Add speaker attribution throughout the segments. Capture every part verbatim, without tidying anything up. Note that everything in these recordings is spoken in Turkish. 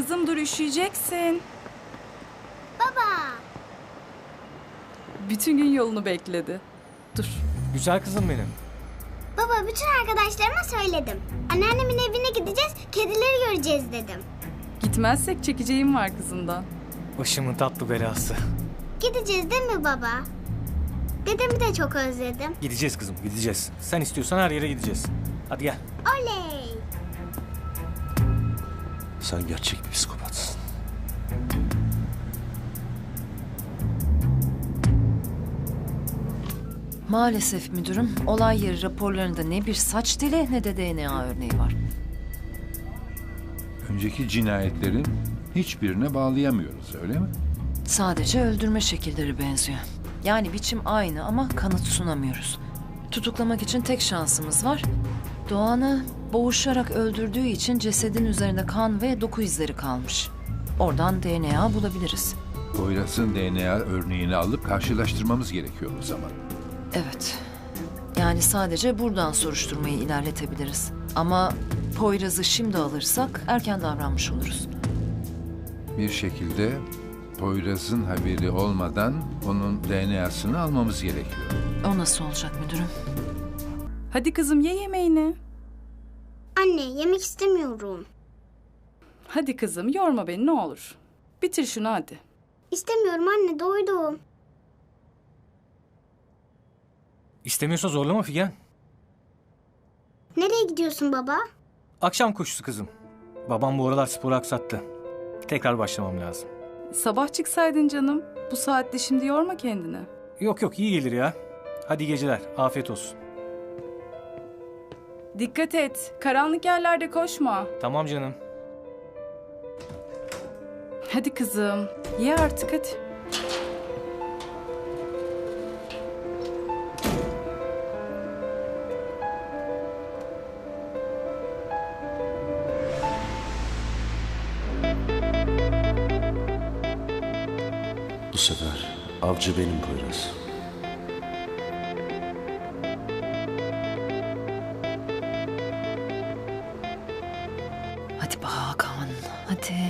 Speaker 1: Kızım dur, üşüyeceksin.
Speaker 2: Baba.
Speaker 1: Bütün gün yolunu bekledi. Dur.
Speaker 3: Güzel kızım benim.
Speaker 2: Baba bütün arkadaşlarıma söyledim. Anneannemin evine gideceğiz, kedileri göreceğiz dedim.
Speaker 1: Gitmezsek çekeceğim var kızından.
Speaker 3: Başımın tatlı belası.
Speaker 2: Gideceğiz değil mi baba? Dedemi de çok özledim.
Speaker 3: Gideceğiz kızım, gideceğiz. Sen istiyorsan her yere gideceğiz. Hadi gel.
Speaker 2: Oley!
Speaker 4: Sen gerçek bir psikopatsın.
Speaker 5: Maalesef müdürüm, olay yeri raporlarında ne bir saç teli ne de D N A örneği var.
Speaker 6: Önceki cinayetlerin hiçbirine bağlayamıyoruz, öyle mi?
Speaker 5: Sadece öldürme şekilleri benziyor. Yani biçim aynı ama kanıt sunamıyoruz. Tutuklamak için tek şansımız var. Doğan'ı boğuşarak öldürdüğü için cesedin üzerinde kan ve doku izleri kalmış. Oradan D N A bulabiliriz.
Speaker 6: Poyraz'ın D N A örneğini alıp karşılaştırmamız gerekiyor o zaman.
Speaker 5: Evet. Yani sadece buradan soruşturmayı ilerletebiliriz. Ama Poyraz'ı şimdi alırsak erken davranmış oluruz.
Speaker 6: Bir şekilde Poyraz'ın haberi olmadan onun D N A'sını almamız gerekiyor.
Speaker 5: O nasıl olacak müdürüm?
Speaker 1: Hadi kızım ye yemeğini.
Speaker 2: Anne yemek istemiyorum.
Speaker 1: Hadi kızım yorma beni ne olur. Bitir şunu hadi.
Speaker 2: İstemiyorum anne, doydum.
Speaker 3: İstemiyorsa zorlama Figen.
Speaker 2: Nereye gidiyorsun baba?
Speaker 3: Akşam koşusu kızım. Babam bu aralar sporu aksattı. Tekrar başlamam lazım.
Speaker 1: Sabah çıksaydın canım. Bu saatte şimdi yorma kendini.
Speaker 3: Yok yok iyi gelir ya. Hadi iyi geceler. Afiyet olsun.
Speaker 1: Dikkat et. Karanlık yerlerde koşma.
Speaker 3: Tamam canım.
Speaker 1: Hadi kızım. Ye artık hadi.
Speaker 4: Bu sefer avcı benim Poyraz.
Speaker 5: Hadi be Hakan, hadi.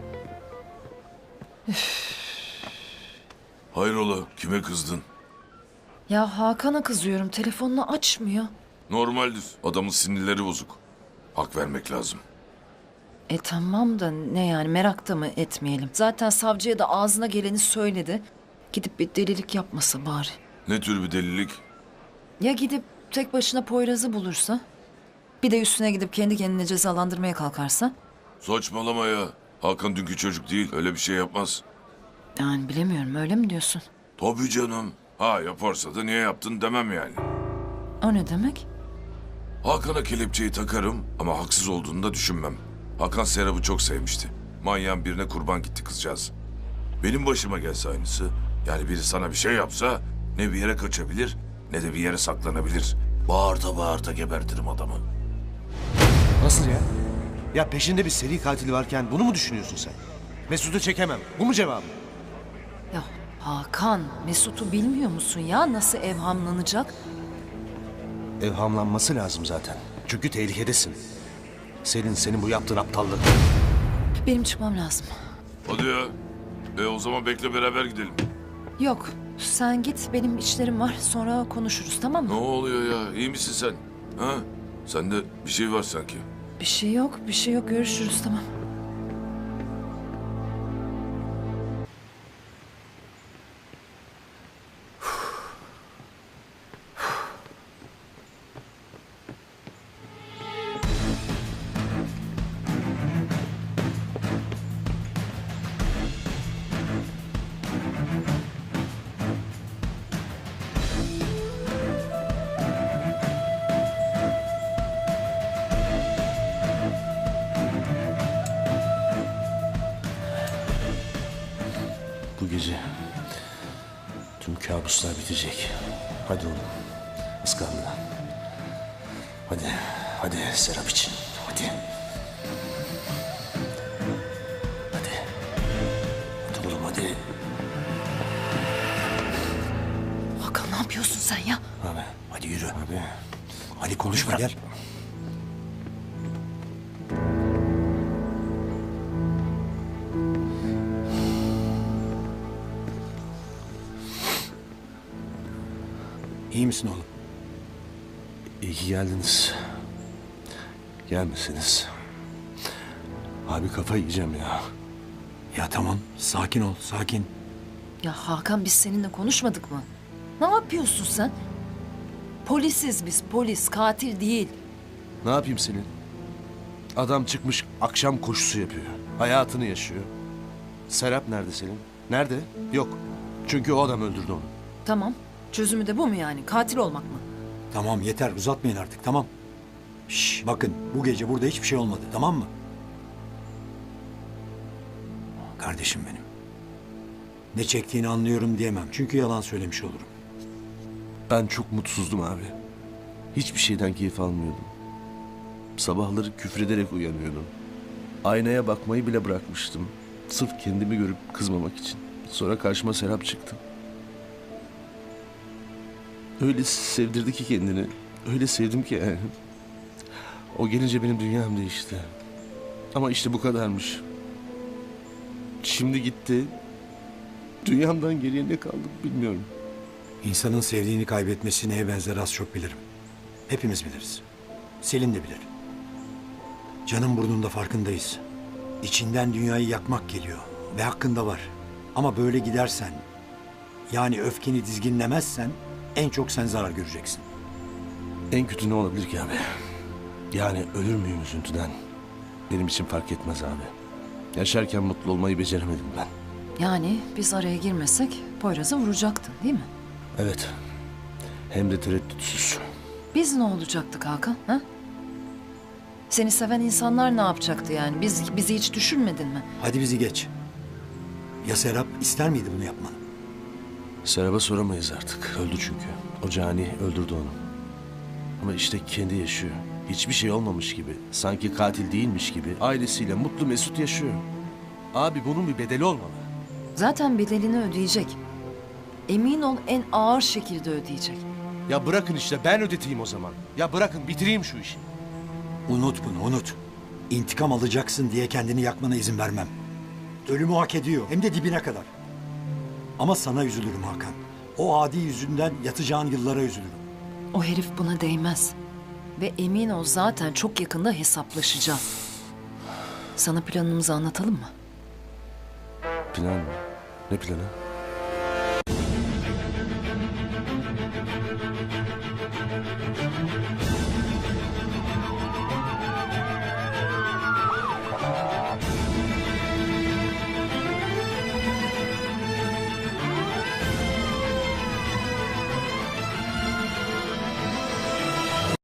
Speaker 7: Hayrola, kime kızdın?
Speaker 5: Ya Hakan'a kızıyorum, telefonunu açmıyor.
Speaker 7: Normaldir, adamın sinirleri bozuk. Hak vermek lazım.
Speaker 5: E tamam da ne yani, merak da mı etmeyelim? Zaten savcıya da ağzına geleni söyledi. Gidip bir delilik yapmasa bari.
Speaker 7: Ne tür bir delilik?
Speaker 5: Ya gidip tek başına Poyraz'ı bulursa? Bir de üstüne gidip kendi kendine cezalandırmaya kalkarsa?
Speaker 7: Saçmalama ya. Hakan dünkü çocuk değil, öyle bir şey yapmaz.
Speaker 5: Yani bilemiyorum, öyle mi diyorsun?
Speaker 7: Tabii canım. Ha yaparsa da niye yaptın demem yani.
Speaker 5: O ne demek?
Speaker 7: Hakan'a kelepçeyi takarım ama haksız olduğunu da düşünmem. Hakan Serap'ı çok sevmişti. Manyağın birine kurban gitti kızcağız. Benim başıma gelse aynısı. Yani biri sana bir şey yapsa ne bir yere kaçabilir ne de bir yere saklanabilir. Bağırta bağırta gebertirim adamı.
Speaker 4: Nasıl ya? Ya peşinde bir seri katil varken bunu mu düşünüyorsun sen? Mesut'u çekemem. Bu mu cevabı?
Speaker 5: Ya Hakan, Mesut'u bilmiyor musun ya? Nasıl evhamlanacak?
Speaker 4: Evhamlanması lazım zaten. Çünkü tehlikedesin. Selin, senin bu yaptığın aptallık.
Speaker 5: Benim çıkmam lazım.
Speaker 7: Hadi ya. E o zaman bekle beraber gidelim.
Speaker 5: Yok, sen git, benim işlerim var. Sonra konuşuruz, tamam
Speaker 7: Ne
Speaker 5: mı?
Speaker 7: oluyor ya? İyi misin sen? Ha? Sende bir şey var sanki.
Speaker 5: Bir şey yok, bir şey yok. Görüşürüz, tamam.
Speaker 4: Bu gece tüm kabuslar bitecek. Hadi oğlum. Iskanla. Hadi. Hadi Serap için. Hadi. Hadi. Hadi oğlum hadi.
Speaker 5: Hakan ne yapıyorsun sen ya?
Speaker 4: Abi. Hadi yürü. Abi. Hadi konuşma gel.
Speaker 8: İyi misin oğlum?
Speaker 4: İyi ki geldiniz. Gelmeseniz. Abi kafa yiyeceğim ya.
Speaker 8: Ya tamam, sakin ol, sakin.
Speaker 5: Ya Hakan, biz seninle konuşmadık mı? Ne yapıyorsun sen? Polisiz biz, polis, katil değil.
Speaker 4: Ne yapayım senin? Adam çıkmış akşam koşusu yapıyor. Hayatını yaşıyor. Serap nerede Selin? Nerede? Yok. Çünkü o adam öldürdü onu.
Speaker 5: Tamam, çözümü de bu mu yani? Katil olmak mı?
Speaker 8: Tamam yeter, uzatmayın artık, tamam. Şş, bakın bu gece burada hiçbir şey olmadı, tamam mı? Kardeşim benim. Ne çektiğini anlıyorum diyemem çünkü yalan söylemiş olurum.
Speaker 4: Ben çok mutsuzdum abi. Hiçbir şeyden keyif almıyordum. Sabahları küfrederek uyanıyordum. Aynaya bakmayı bile bırakmıştım. Sırf kendimi görüp kızmamak için. Sonra karşıma Serap çıktı. Öyle sevdirdi ki kendini. Öyle sevdim ki yani. O gelince benim dünyam değişti. Ama işte bu kadarmış. Şimdi gitti. Dünyamdan geriye ne kaldı bilmiyorum.
Speaker 8: İnsanın sevdiğini kaybetmesi neye benzer az çok bilirim. Hepimiz biliriz. Selin de bilir. Canın burnunda farkındayız. İçinden dünyayı yakmak geliyor ve hakkında var. Ama böyle gidersen, yani öfkeni dizginlemezsen en çok sen zarar göreceksin.
Speaker 4: En kötü ne olabilir ki abi? Yani ölür müyüm üzüntüden? Benim için fark etmez abi. Yaşarken mutlu olmayı beceremedim ben.
Speaker 5: Yani biz araya girmesek Poyraz'ı vuracaktın değil mi?
Speaker 4: Evet. Hem de tereddütsüz.
Speaker 5: Biz ne olacaktık Hakan? Ha? Seni seven insanlar ne yapacaktı yani? Biz bizi hiç düşünmedin mi?
Speaker 8: Hadi bizi geç. Ya Serap ister miydi bunu yapmanı?
Speaker 4: Serap'a soramayız artık. Öldü çünkü. O cani öldürdü onu. Ama işte kendi yaşıyor. Hiçbir şey olmamış gibi. Sanki katil değilmiş gibi. Ailesiyle mutlu mesut yaşıyor. Abi bunun bir bedeli olmalı.
Speaker 5: Zaten bedelini ödeyecek. Emin ol, en ağır şekilde ödeyecek.
Speaker 4: Ya bırakın işte ben ödeteyim o zaman. Ya bırakın bitireyim şu işi.
Speaker 8: Unut bunu, unut. İntikam alacaksın diye kendini yakmana izin vermem. Ölümü hak ediyor, hem de dibine kadar. Ama sana üzülürüm Hakan. O adi yüzünden yatacağın yıllara üzülürüm.
Speaker 5: O herif buna değmez. Ve emin ol, zaten çok yakında hesaplaşacağız. Sana planımızı anlatalım mı?
Speaker 4: Plan mı? Ne planı?